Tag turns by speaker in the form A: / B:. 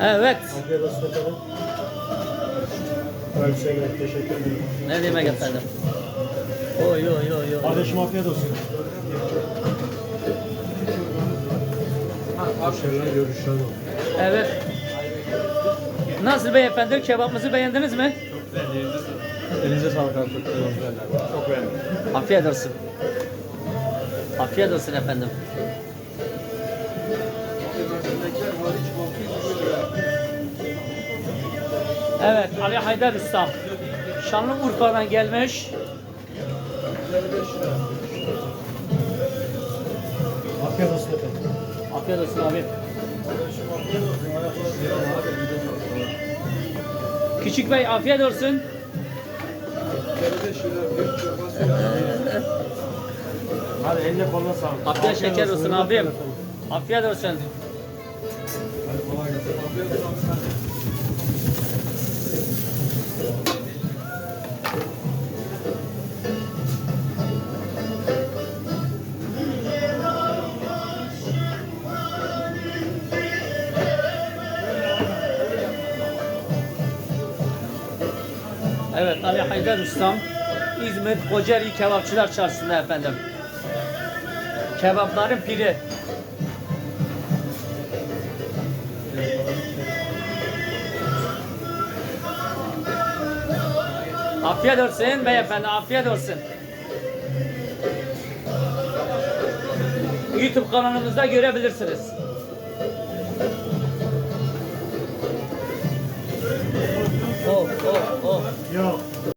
A: Evet.
B: Afiyet olsun efendim. Ben Hüseyin, teşekkür ederim.
A: Ne demek efendim? Oy oy oy oy.
B: Kardeşim afiyet olsun. Başarılar, görüşler olsun.
A: Evet. Nasıl beyefendi? Kebabımızı beğendiniz mi?
B: Elinize sağlık abi. Çok güzel. Çok beğendim.
A: Afiyet olsun. Afiyet olsun efendim. Evet, Ali Haydar Usta. Şanlıurfa'dan gelmiş.
B: Afiyet olsun efendim.
A: Afiyet olsun abi. Küçük Bey afiyet olsun.
B: Hadi eline koluna sağlık.
A: Afiyet şeker olsun
B: hürmetler
A: abim.
B: efendim.
A: Afiyet olsun.
B: Hadi kolay gelsin.
A: Evet, Ali Haydar Ustam, İzmir Kocaeli Kebapçılar Çarşısı'nda efendim. Kebapların piri. Afiyet olsun beyefendi, afiyet olsun. YouTube kanalımızda görebilirsiniz. Oh, oh, oh.
B: Yok.